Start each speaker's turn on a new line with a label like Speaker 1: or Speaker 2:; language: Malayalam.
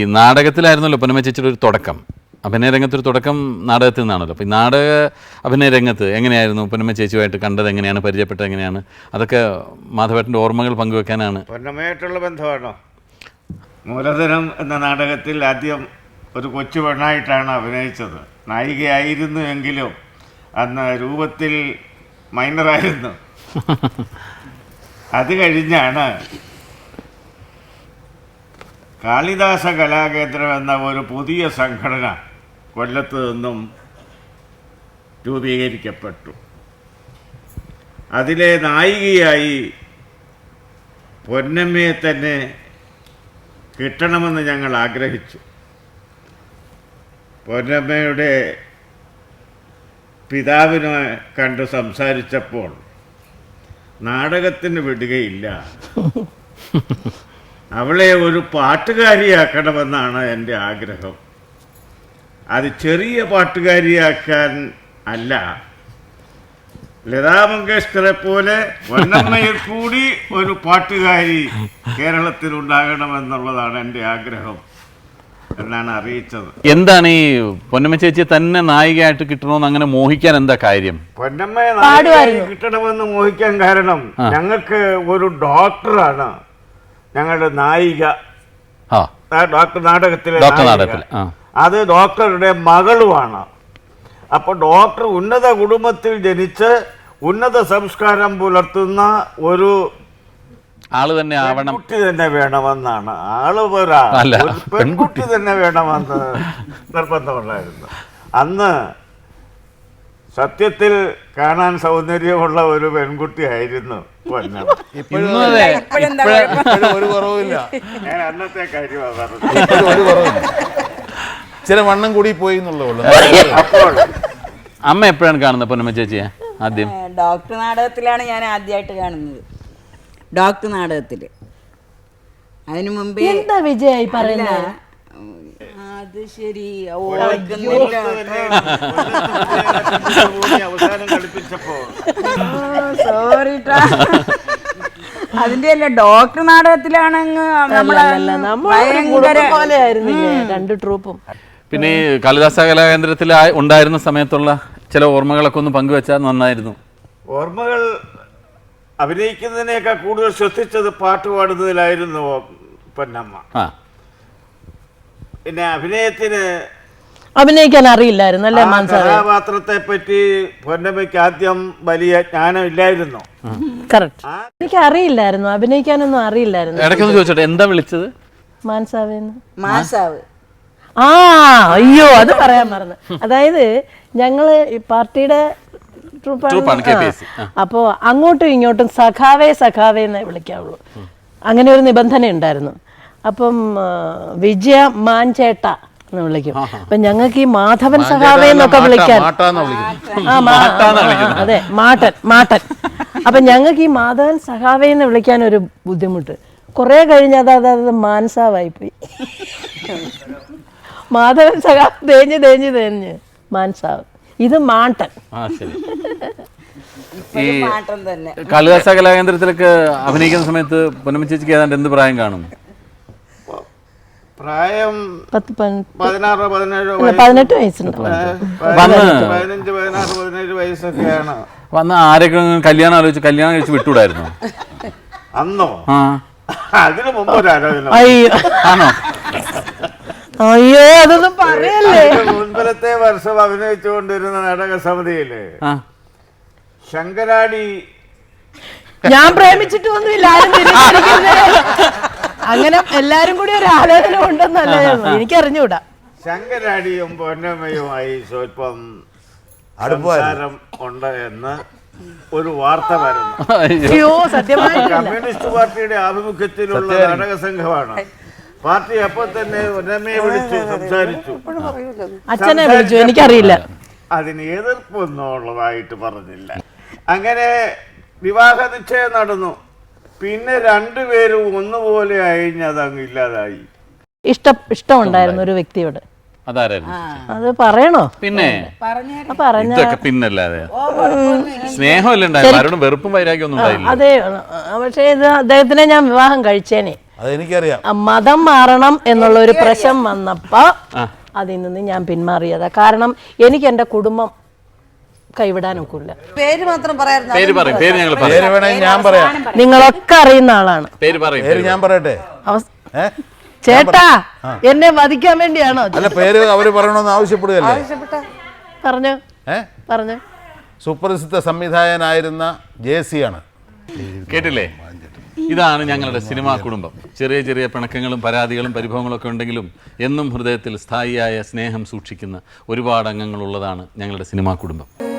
Speaker 1: ഈ നാടകത്തിലായിരുന്നല്ലോ പൊന്നമ്മ ചേച്ചിയുടെ ഒരു തുടക്കം, അഭിനയ രംഗത്തൊരു തുടക്കം നാടകത്തിൽ നിന്നാണല്ലോ. അപ്പോൾ ഈ നാടക അഭിനയ രംഗത്ത് എങ്ങനെയായിരുന്നു പൊന്നമ്മ ചേച്ചിയുമായിട്ട് കണ്ടത്, എങ്ങനെയാണ് പരിചയപ്പെട്ടത്, എങ്ങനെയാണ് അതൊക്കെ മാധവേട്ടൻ്റെ ഓർമ്മകൾ പങ്കുവെക്കാനാണ്.
Speaker 2: പൊന്നമ്മയായിട്ടുള്ള ബന്ധമാണോ? മൂലധനം എന്ന നാടകത്തിൽ ആദ്യം ഒരു കൊച്ചു പെണ്ണായിട്ടാണ് അഭിനയിച്ചത്. നായികയായിരുന്നു എങ്കിലും അന്ന് രൂപത്തിൽ മൈനറായിരുന്നു. അത് കഴിഞ്ഞാണ് കാളിദാസ കലാകേന്ദ്രം എന്ന ഒരു പുതിയ സംഘടന കൊല്ലത്ത് നിന്നും രൂപീകരിക്കപ്പെട്ടു. അതിലെ നായികയായി പൊന്നമ്മയെ തന്നെ കിട്ടണമെന്ന് ഞങ്ങൾ ആഗ്രഹിച്ചു. പൊന്നമ്മയുടെ പിതാവിനെ കണ്ട് സംസാരിച്ചപ്പോൾ നാടകത്തിന് വിടുകയില്ല, അവളെ ഒരു പാട്ടുകാരിയാക്കണമെന്നാണ് എൻ്റെ ആഗ്രഹം. അത് ചെറിയ പാട്ടുകാരിയാക്കാൻ അല്ല, ലതാ മങ്കേഷ്കറെ പോലെ പൊന്നമ്മയിൽ കൂടി ഒരു പാട്ടുകാരി കേരളത്തിൽ ഉണ്ടാകണമെന്നുള്ളതാണ് എൻ്റെ ആഗ്രഹം എന്നാണ് അറിയിച്ചത്.
Speaker 1: എന്താണ് ഈ പൊന്നമ്മ ചേച്ചിയെ തന്നെ നായികയായിട്ട് കിട്ടണമെന്ന് അങ്ങനെ മോഹിക്കാൻ എന്താ കാര്യം?
Speaker 2: പൊന്നമ്മയെ നായികയായി കിട്ടണമെന്ന് മോഹിക്കാൻ കാരണം ഞങ്ങൾക്ക് ഒരു ഡോക്ടറാണ് ഞങ്ങളുടെ നായിക. ഡോക്ടർ നാടകത്തിലെ അത് ഡോക്ടറുടെ മകളുമാണ്. അപ്പോൾ ഡോക്ടർ ഉന്നത കുടുംബത്തിൽ ജനിച്ച് ഉന്നത സംസ്കാരം പുലർത്തുന്ന ഒരു
Speaker 1: ആള് തന്നെ ആവണം,
Speaker 2: പെൺകുട്ടി തന്നെ വേണമെന്നാണ്. ആള് പെൺകുട്ടി തന്നെ വേണമെന്ന് നിർബന്ധമുണ്ടായിരുന്നു. അന്ന് സത്യത്തിൽ കാണാൻ സൗന്ദര്യമുള്ള ഒരു പെൺകുട്ടിയായിരുന്നു പൊന്നമ്മ.
Speaker 3: ഒരു കുറവില്ല.
Speaker 2: ഞാൻ അന്നത്തെ കാര്യമാണ് പറഞ്ഞത്.
Speaker 3: ചില വണ്ണം കൂടി പോയി എന്നുള്ളൂ.
Speaker 2: അപ്പോൾ
Speaker 1: അമ്മ എപ്പോഴാണ് കാണുന്നത് പൊന്നമ്മ ചേച്ചിയെ? ആദ്യം
Speaker 4: ഡോക്ടർ നാടകത്തിലാണ് ഞാൻ ആദ്യമായിട്ട് കാണുന്നത്. ഡോക്ടർ നാടകത്തിൽ. അതിനു മുമ്പേ
Speaker 5: എന്താ വിജയായി പറയുന്നത്?
Speaker 4: അത് ശരി, ഓർക്കുന്നില്ല.
Speaker 2: അവസാനം കളിപ്പിച്ചപ്പോ
Speaker 4: സോറി. അതിന്റെ അല്ല, ഡോക്ടർ നാടകത്തിലാണെങ്കിൽ
Speaker 5: രണ്ട് ട്രൂപ്പും.
Speaker 1: പിന്നെ ഈ കാളിദാസ കലാകേന്ദ്രത്തിൽ ഉണ്ടായിരുന്ന സമയത്തുള്ള ചില ഓർമ്മകളൊക്കെ ഒന്ന് പങ്കുവെച്ചാൽ നന്നായിരുന്നു.
Speaker 2: ഓർമ്മകൾ അഭിനയിക്കുന്നതിനേക്കാൾ കൂടുതൽ ശ്രദ്ധിച്ചത് പാട്ട് പാടുന്നതിലായിരുന്നു പൊന്നമ്മ. പിന്നെ
Speaker 5: അഭിനയിക്കാൻ അറിയില്ലായിരുന്നു അല്ലേ?
Speaker 2: കഥാപാത്രത്തെ പറ്റി പൊന്നമ്മയ്ക്ക് ആദ്യം വലിയ ജ്ഞാനം ഇല്ലായിരുന്നു.
Speaker 5: എനിക്ക് അറിയില്ലായിരുന്നു, അഭിനയിക്കാനൊന്നും അറിയില്ലായിരുന്നു.
Speaker 1: ഇടയ്ക്കൊന്ന് ചോദിച്ചോട്ടെ, എന്താ വിളിച്ചത്?
Speaker 5: മാൻസാവേന്ന്.
Speaker 4: മാസാവ്.
Speaker 5: ആ അയ്യോ, അത് പറയാൻ മറന്നു. അതായത് ഞങ്ങള് ഈ പാർട്ടിയുടെ അപ്പോ അങ്ങോട്ടും ഇങ്ങോട്ടും സഖാവേ സഖാവേ എന്നേ വിളിക്കാവുള്ളൂ. അങ്ങനെ ഒരു നിബന്ധന ഉണ്ടായിരുന്നു. അപ്പം വിജയ മാൻചേട്ട എന്ന് വിളിക്കും. അപ്പൊ ഞങ്ങൾക്ക് ഈ മാധവൻ സഖാവേ എന്നൊക്കെ വിളിക്കാൻ, അതെ മാട്ടൻ. അപ്പൊ ഞങ്ങൾക്ക് ഈ മാധവൻ സഖാവേ എന്ന് വിളിക്കാൻ ഒരു ബുദ്ധിമുട്ട്. കുറെ കഴിഞ്ഞ് അത് മാൻസാവായിപ്പോയി. മാധവൻ സഖാവ് തേഞ്ഞ് മാൻസാവ്. ഇത് മാട്ടൻ.
Speaker 1: ഈ കാളിദാസ കലാകേന്ദ്രത്തിലൊക്കെ അഭിനയിക്കുന്ന സമയത്ത് പൊന്നമ്മ ചേച്ചിക്ക് ഏതാണ്ട് എന്ത് പ്രായം കാണും?
Speaker 2: പ്രായം
Speaker 5: 18 വയസ്സുണ്ട്.
Speaker 2: 15-16-17 വയസ്സൊക്കെയാണ്.
Speaker 1: വന്ന് ആരൊക്കെ കല്യാണം കഴിച്ച് വിട്ടൂടായിരുന്നു
Speaker 2: അന്നോ? അതിനു മുമ്പ് ഒരു ആലോചന.
Speaker 1: ആണോ?
Speaker 5: അയ്യോ, അതൊന്നും പറയല്ലേ.
Speaker 2: മുൻപലത്തെ വർഷം അഭിനയിച്ചുകൊണ്ടിരുന്ന നാടക സമിതിയില് ശങ്കരാടി.
Speaker 5: ഞാൻ പ്രേമിച്ചിട്ടൊന്നുമില്ല, അങ്ങനെ എല്ലാരും കൂടി ഒരു ആലോചന ഉണ്ടെന്നല്ല എനിക്കറിഞ്ഞൂടാ.
Speaker 2: ശങ്കരാടിയും പൊന്നമ്മയുമായി സ്വല്പം സംസാരം ഉണ്ട് എന്ന് ഒരു വാർത്ത വരുന്നു.
Speaker 5: അയ്യോ, സത്യമായി
Speaker 2: കമ്മ്യൂണിസ്റ്റ് പാർട്ടിയുടെ ആഭിമുഖ്യത്തിലുള്ള നാടക സംഘമാണ്. പാർട്ടി അപ്പോൾ തന്നെ പൊന്നമ്മയെ വിളിച്ചു സംസാരിച്ചു.
Speaker 5: അച്ഛനെ വിളിച്ചു, എനിക്കറിയില്ല.
Speaker 2: അതിന് എതിർപ്പൊന്നും ഉള്ളതായിട്ട് പറഞ്ഞില്ല. അങ്ങനെ വിവാഹ നിശ്ചയം നടന്നു. പിന്നെ രണ്ടുപേരും ഒന്നുപോലെ അതങ്ങ് ഇല്ലാതായി.
Speaker 5: ഇഷ്ടമുണ്ടായിരുന്നു ഒരു വ്യക്തിയോട്. അത് പറയണോ?
Speaker 1: പിന്നെ പിന്നല്ലാതെ സ്നേഹമല്ലേ ഉണ്ടായിരുന്നു, വെറുപ്പും വൈരാഗ്യം ഒന്നും ഉണ്ടായില്ല.
Speaker 5: അതെ, പക്ഷേ ഇത് അദ്ദേഹത്തിനെ ഞാൻ വിവാഹം കഴിച്ചേനെ.
Speaker 3: അതെനിക്കറിയാം.
Speaker 5: മതം മാറണം എന്നുള്ള ഒരു പ്രശ്നം വന്നപ്പോ അതിൽ നിന്ന് ഞാൻ പിന്മാറിയതാ. കാരണം എനിക്ക് എൻ്റെ കുടുംബം കൈവിടാനൊക്കില്ല.
Speaker 6: പേര് മാത്രം പറയായിരുന്നു.
Speaker 1: പേര് പറയും, പേര് ഞങ്ങൾ
Speaker 3: പേര്
Speaker 1: പറയാം.
Speaker 3: വേണമെങ്കിൽ ഞാൻ പറയാം.
Speaker 5: നിങ്ങളൊക്കെ അറിയുന്ന ആളാണ്.
Speaker 1: പേര് പറയും.
Speaker 3: പേര് ഞാൻ പറയട്ടെ?
Speaker 5: ചേട്ടാ എന്നെ വധിക്കാൻ വേണ്ടിയാണോ?
Speaker 3: അല്ല, പേര് അവര് പറയണമെന്ന് ആവശ്യപ്പെടുകയല്ലേ?
Speaker 5: പറഞ്ഞു പറഞ്ഞു.
Speaker 3: സുപ്രസിദ്ധ സംവിധായകനായിരുന്ന JC ആണ്.
Speaker 1: കേട്ടില്ലേ? ഇതാണ് ഞങ്ങളുടെ സിനിമാ കുടുംബം. ചെറിയ ചെറിയ പിണക്കങ്ങളും പരാതികളും പരിഭവങ്ങളും ഒക്കെ ഉണ്ടെങ്കിലും എന്നും ഹൃദയത്തിൽ സ്ഥായിയായ സ്നേഹം സൂക്ഷിക്കുന്ന ഒരുപാട് അംഗങ്ങളുള്ളതാണ് ഞങ്ങളുടെ സിനിമാ കുടുംബം.